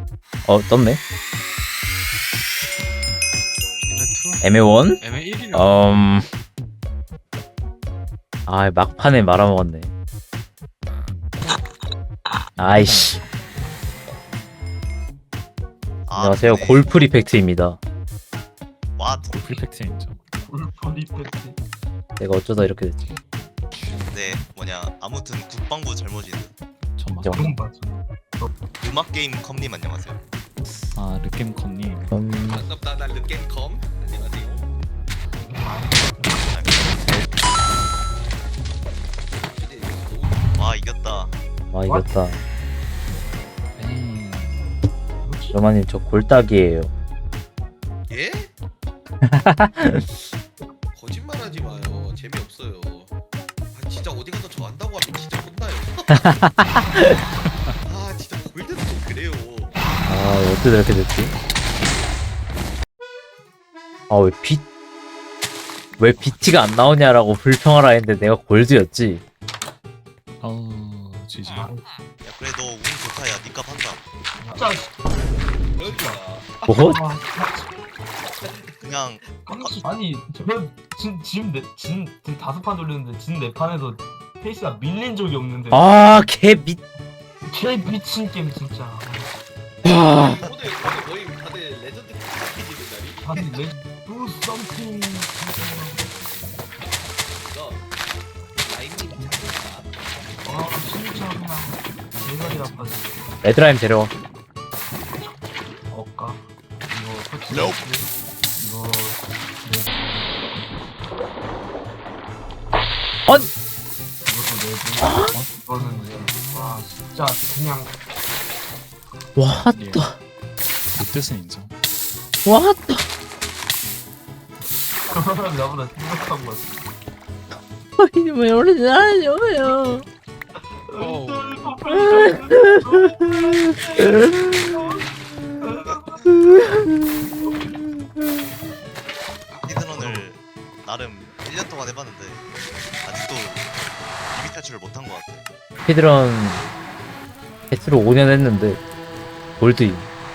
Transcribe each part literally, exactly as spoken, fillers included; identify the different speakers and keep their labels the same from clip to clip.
Speaker 1: 어 떴네.
Speaker 2: 에메
Speaker 1: 애매원?
Speaker 2: 투? 에메 일이요.
Speaker 1: 음. 아 막판에 말아먹었네. 아이씨. 안녕하세요
Speaker 3: 네.
Speaker 1: 골프 리펙트입니다.
Speaker 3: 와,
Speaker 2: 프리펙트 인정.
Speaker 4: 리펙트.
Speaker 1: 내가 어쩌다 이렇게 됐지.
Speaker 3: 네, 뭐냐. 아무튼 국방부 잘못이네.
Speaker 2: 천만.
Speaker 1: 인정.
Speaker 4: 그건 맞아.
Speaker 3: 음악 게임 컴님 안녕하세요.
Speaker 2: 아 르겜컨님.
Speaker 1: 음.
Speaker 5: 반갑다. 난 르겜컴. 안녕하세요.
Speaker 3: 와, 이겼다.
Speaker 1: 아 이겼다.
Speaker 2: 에이.
Speaker 1: 로마님 저 골딱이에요.
Speaker 5: 예? 거짓말하지 마요. 재미없어요. 아 진짜 어디 가서 저 한다고 하면 진짜 혼나요. 아 진짜 골드도 좀 그래요.
Speaker 1: 아 어떻게 이렇게 됐지? 아왜 비... 왜 비티가 안 나오냐라고 불평하라 했는데 내가 골드였지.
Speaker 2: 아우 지지.
Speaker 4: 아,
Speaker 3: 야, 그래 너 운 좋다. 야, 니값 한다.
Speaker 4: 진짜.
Speaker 5: 그러니까
Speaker 1: 뭐?
Speaker 4: 아,
Speaker 3: 그냥
Speaker 4: 깜짝- 아니 저진진진 다섯 판 돌렸는데 진 네 판에서 페이스가 밀린 적이 없는데.
Speaker 1: 아개 미...
Speaker 4: 개 미친 게임 진짜.
Speaker 1: 와...
Speaker 5: 오늘 오늘 거의 다들 레전드 피디는 날이.
Speaker 4: 아니 내 do something.
Speaker 5: 이거 라인님 잘했다.
Speaker 4: 아 진짜 그냥 대가리 아파지.
Speaker 1: 레드라임 데려와.
Speaker 4: 어까 이거 터치.
Speaker 3: Nope.
Speaker 4: 이거 네.
Speaker 1: 언!
Speaker 4: 이것도 내고 이거는 이제 와 진짜 그냥
Speaker 1: 왔다
Speaker 2: 롯데스 인정.
Speaker 1: 왔다.
Speaker 4: 나보다 생각한 것 같아.
Speaker 1: 아니 왜 오래 잘하냐고요.
Speaker 2: 어우.
Speaker 3: 히드런을 나름 일 년 동안 해봤는데 아직도 비비 탈출을 못한 것 같아.
Speaker 1: 피드런 패스로 오 년 했는데 골드임.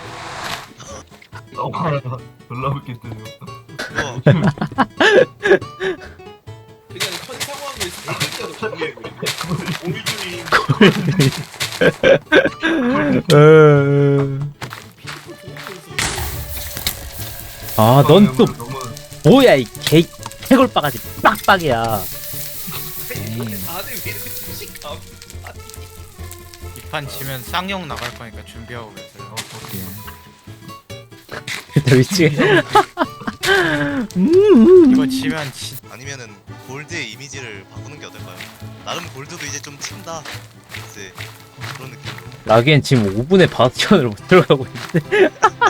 Speaker 4: 어, 졸라 웃겠더니.
Speaker 3: 이거
Speaker 5: 그냥 천상왕을 세 글자로 정리해버리네. 골드님.
Speaker 1: 아 넌 또
Speaker 4: 너무
Speaker 1: 뭐야 이 개 해골바가지 빡빡이야.
Speaker 2: 에이.
Speaker 5: 다들 왜 이렇게 무식함?
Speaker 6: 이 판 지면 쌍용 나갈 거니까 준비하고 계세요.
Speaker 2: 예.
Speaker 1: 나 미치겠. 음.
Speaker 6: 이거 지면 진
Speaker 3: 아니면은 골드의 이미지를 바꾸는 게 어떨까요? 나름 골드도 이제 좀 친다. 이제 그런 느낌.
Speaker 1: 라기엔 지금 오 분에 바스티온으로 못 들어가고 있는데.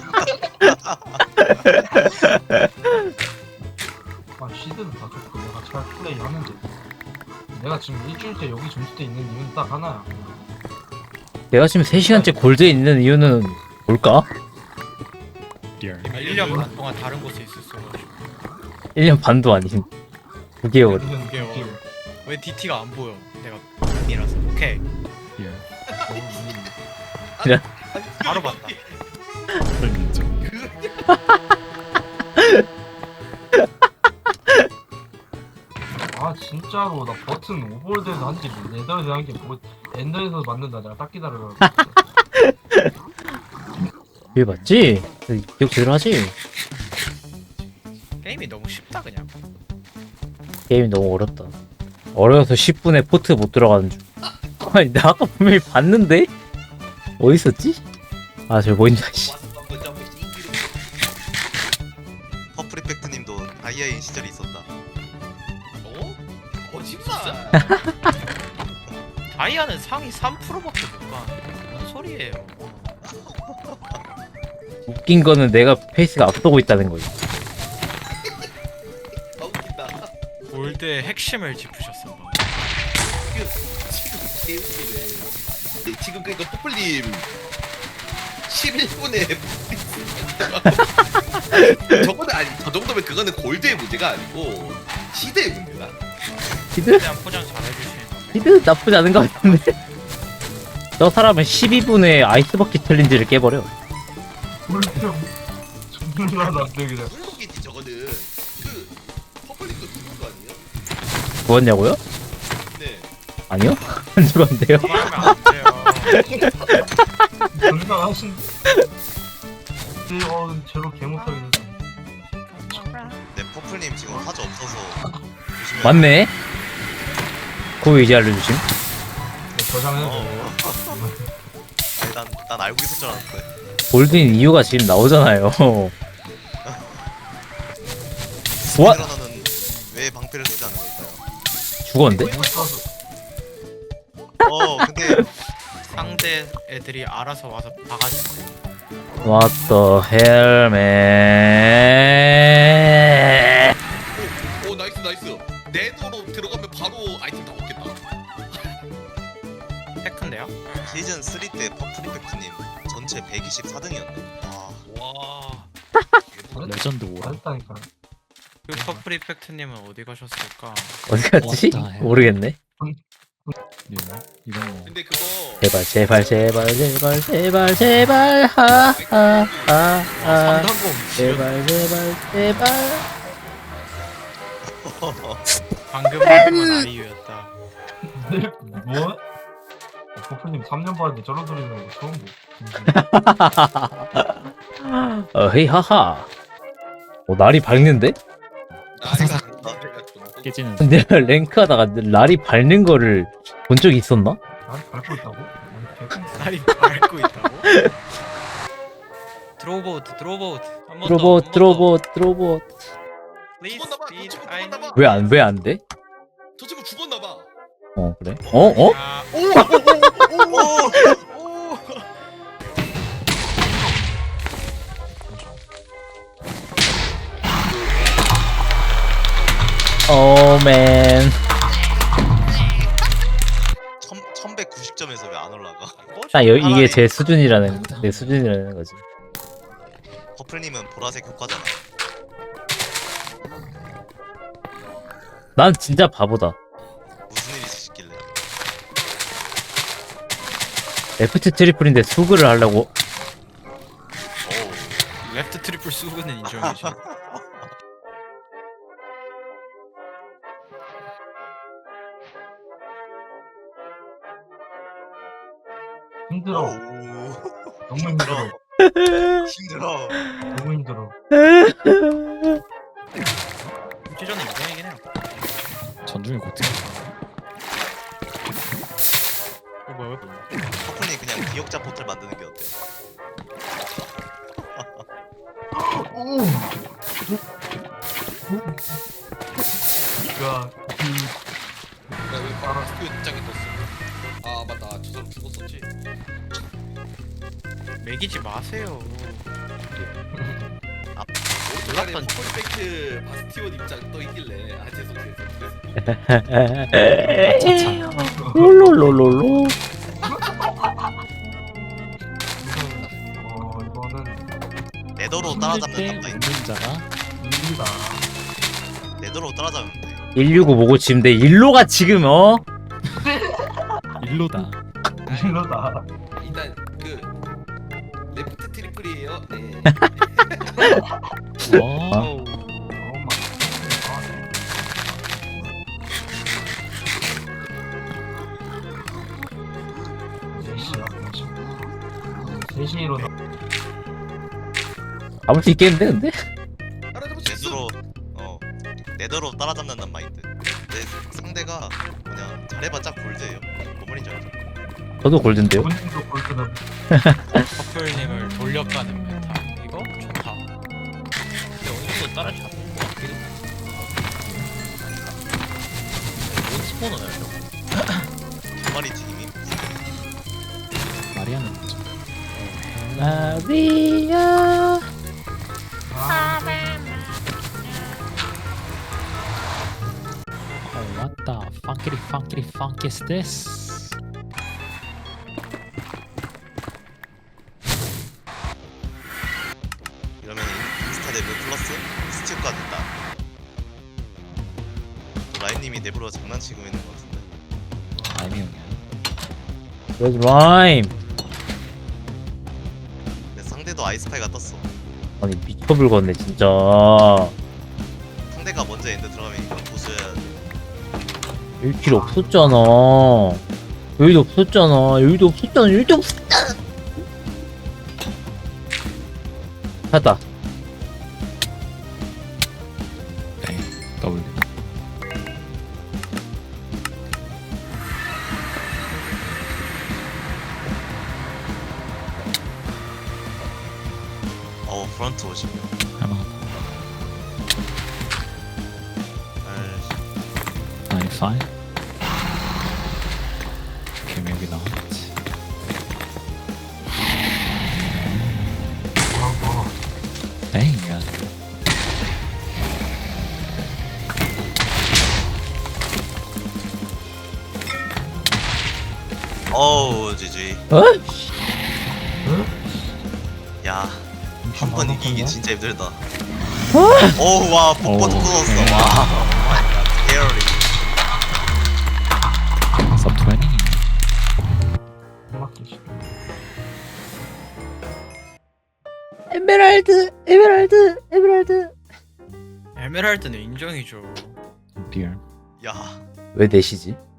Speaker 4: 아 시드는 다 좋고 내가 잘 플레이 하는데 내가 지금 일주일째 여기 점수대 있는 이유는 딱 하나야.
Speaker 1: 내가 지금 세 시간째 골드에 있는 이유는 뭘까?
Speaker 2: 리얼.
Speaker 6: 아, 일 년 반 동안 다른 곳에 있었어가지고
Speaker 1: 일 년 반도 아닌 구 개월.
Speaker 4: 이건
Speaker 6: 구 개월.
Speaker 4: 웃겨.
Speaker 6: 왜 디티가 안 보여? 내가 이라서 오케이
Speaker 2: 리얼.
Speaker 6: 바로 봤다.
Speaker 2: 그럼 인정.
Speaker 4: 아 진짜로 나 버튼 오버월드에서 한지 네덜에서 한게 뭐 엔더에서 만든다. 내가 딱 기다려라.
Speaker 1: 이게 맞지? 기억 제대로 하지?
Speaker 6: 게임이 너무 쉽다 그냥.
Speaker 1: 게임이 너무 어렵다. 어려워서 십 분에 포트 못 들어가는 중. 아니 나 아까 분명히 봤는데? 어디 있었지? 아 저기 보인다 씨.
Speaker 3: 퍼프리펙트님도 아이아이 시절이 있었다.
Speaker 5: 어? 거짓말.
Speaker 6: 다이아는 상위 삼 퍼센트밖에 못 가. 뭔 소리예요?
Speaker 1: 웃긴 거는 내가 페이스가 앞서고 있다는 거지.
Speaker 5: 아 웃긴다.
Speaker 6: 골드의 핵심을 짚으셨어. 뭐.
Speaker 5: 지금 개웃기네. 지금 그러니까 퍼플님 십일 분에 저거는 아니 저 정도면 그거는 골드의 문제가 아니고 시대의 문제다.
Speaker 1: 히드?
Speaker 6: 그냥 포장 잘 해주시는 거.
Speaker 1: 히드 나쁘지 않은 것 같은데? 저 사람은 십이 분에 아이스버킷 챌린지를 깨버려.
Speaker 4: 꿀템 존나 남들 그냥.
Speaker 5: 물고기지 저거는. 그 퍼플릭도 죽은 거 아니에요?
Speaker 1: 죽었냐고요?
Speaker 5: 네.
Speaker 1: 아니요? 안 죽었는데요?
Speaker 6: 그러면 안 돼요.
Speaker 4: 존나 하신. 근데 어 제로 개 못하겠네.
Speaker 3: 네, 퍼플님 지금 화주 없어서 조심해요.
Speaker 1: 맞네? 그거 이제 알려주심?
Speaker 4: 네, 저장해도
Speaker 3: 어.
Speaker 4: 돼요.
Speaker 3: 아니, 난, 난 알고 있을 줄 알았는데.
Speaker 1: 골드인 이유가 지금 나오잖아요. 와!
Speaker 3: 스피드러너는 왜 방패를 쓰지 않는 걸까요?
Speaker 1: 죽었는데?
Speaker 4: 못 써서.
Speaker 3: 어, 근데
Speaker 6: 상대 애들이 알아서 와서 박아주세요.
Speaker 1: What the hell, man?
Speaker 5: 오, 오 나이스 나이스. 네더로 들어가면 바로 아이템 다 먹겠다.
Speaker 6: 테크인데요?
Speaker 3: 시즌 쓰리 때 퍼플리펙트님 전체 백이십사 등이었네. 와,
Speaker 5: 와.
Speaker 2: 레전드 오라.
Speaker 4: 잘했다니까.
Speaker 6: 그 퍼플 이펙트님은 어디 가셨을까?
Speaker 1: 어디 갔지?
Speaker 2: What the hell?
Speaker 1: 모르겠네.
Speaker 2: 이거 이건 뭐
Speaker 5: 근데 그거
Speaker 1: 제발, 제발, 제발, 제발, 제발, 제발, 하, 하, 하, 하.
Speaker 6: 상당공
Speaker 1: 제발, 제발, 제발.
Speaker 6: 방금 방금은 아이유였다.
Speaker 4: 네? 뭐? 어, 버프님 삼 년 봤는데 저런 소리 나는 거 처음 보.
Speaker 1: 어, 헤이, 하하. 어, 날이 밝는데?
Speaker 5: 아, 내가
Speaker 2: 깨지는
Speaker 1: 내가 랭크하다가 날이 밝는 거를 본 적이 있었나?
Speaker 4: 날 밟고 있다고? 아니, 개-
Speaker 6: 날이 밟고 있다고? 드로보트 드로보트 한번 더,
Speaker 1: 드로봇,
Speaker 6: 한번 더.
Speaker 1: 드로봇, 드로봇.
Speaker 6: Please
Speaker 5: 죽었나 봐,
Speaker 6: speed,
Speaker 5: 저 친구
Speaker 6: I
Speaker 5: 죽었나 봐.
Speaker 6: need-
Speaker 1: 왜 안, 왜 안 돼?
Speaker 5: 저 친구 죽었나 봐.
Speaker 1: 어, 그래? 어, 어?
Speaker 6: 아,
Speaker 1: 오, 맨.
Speaker 3: 천백구십 점에서 왜 안 올라가?
Speaker 1: 아, 여, 이게 제 수준이라는, 내 수준이라는 거지.
Speaker 3: 퍼플님은 보라색 효과잖아.
Speaker 1: 난 진짜 바보다.
Speaker 3: 무슨 일이 있으시길래?
Speaker 1: 레프트 트리플인데 수그를 하려고.
Speaker 3: 어우,
Speaker 6: 레프트 트리플 수그는 인정이죠.
Speaker 4: 힘들어.
Speaker 3: 어우,
Speaker 4: 너무 힘들어.
Speaker 3: 힘들어.
Speaker 4: 너무 힘들어.
Speaker 6: 찌저는 인정이긴 해요.
Speaker 2: 전중에 고트.
Speaker 6: 어, 뭐야?
Speaker 3: 퍼플님 그냥 기억자 포털 만드는 게 어때요?
Speaker 4: 야, 그
Speaker 5: 나왜 바로 스튜디오 입장에 떴어? 아 맞다. 저 사람 죽었었지.
Speaker 6: 매기지 마세요.
Speaker 5: 오른쪽에
Speaker 6: 몰랐던-
Speaker 5: 퍼플리펙트 바스티온 입장 떠 있길래 아 죄송해요.
Speaker 1: 롤롤롤롤로.
Speaker 4: 어 이거는
Speaker 3: 네더로
Speaker 2: 때
Speaker 3: 따라잡는 남자
Speaker 2: 웃는 자가
Speaker 4: 일이다.
Speaker 3: 네더로 따라잡으면 돼.
Speaker 1: 일육오 보고 지금 내 일로가 지금 어?
Speaker 2: 일로다.
Speaker 4: 일로다.
Speaker 5: 일단 그 레프트 트리플이에요. 네.
Speaker 2: 와.
Speaker 6: 어우,
Speaker 4: 어 막. 셋시야. 셋시 일어나.
Speaker 1: 잡을 수 있겠는데 근데?
Speaker 5: 알아잡을 수 있어.
Speaker 3: 네더로 어 네더로 따라잡는단 마인드. 내 상대가 그냥 잘해봤자 골드예요. 뭔 말인지 알죠?
Speaker 1: 저도 골든데요.
Speaker 4: 본인도 골드는
Speaker 6: 커플님을 돌려가는 메타. 이거 좋다. 근데 어느 정도 따라잡은 것 같기도. 뭔 스포너야 저거?
Speaker 3: 두 마리 튀김이.
Speaker 2: 마리아는 뭐죠?
Speaker 1: 마리아.
Speaker 4: 아,
Speaker 2: Oh, what the funkity funkity funk is this?
Speaker 3: 이러면 인스타 내부 플러스 스티브가 된다. 또 라임님이 내부로 장난치고 있는 것 같은데.
Speaker 2: 아니 형이야.
Speaker 1: Good rhyme.
Speaker 3: 근데 상대 상대도 아이스파이가 떴어.
Speaker 1: 아니 미쳐불겠네 진짜.
Speaker 3: 상대가 먼저 엔드 들어가면 이건 보수해야 돼.
Speaker 1: 일 킬 없었잖아. 여기도 없었잖아. 여기도 없었잖아. 여기도 없었잖아. 찾다.
Speaker 2: 네, W.
Speaker 3: 어 프런트 오십.
Speaker 2: 할만하다.
Speaker 3: 아이씨.
Speaker 2: ninety-five. Okay, maybe not.
Speaker 4: 아,
Speaker 2: Dang. uh,
Speaker 3: 어우 지지.
Speaker 1: 어?
Speaker 3: 야
Speaker 4: 아,
Speaker 3: 한 번 이기기
Speaker 4: 어?
Speaker 3: 진짜 힘들다. 어우 와 폭포
Speaker 2: 오,
Speaker 3: 뚫었어.
Speaker 2: 오케이.
Speaker 3: 와. 마이 게어리.
Speaker 2: sub twenty.
Speaker 4: 음악기 씨.
Speaker 1: 에메랄드, 에메랄드, 에메랄드.
Speaker 6: 에메랄드는 인정이죠.
Speaker 2: Dear.
Speaker 3: 야
Speaker 1: 왜 넷이지?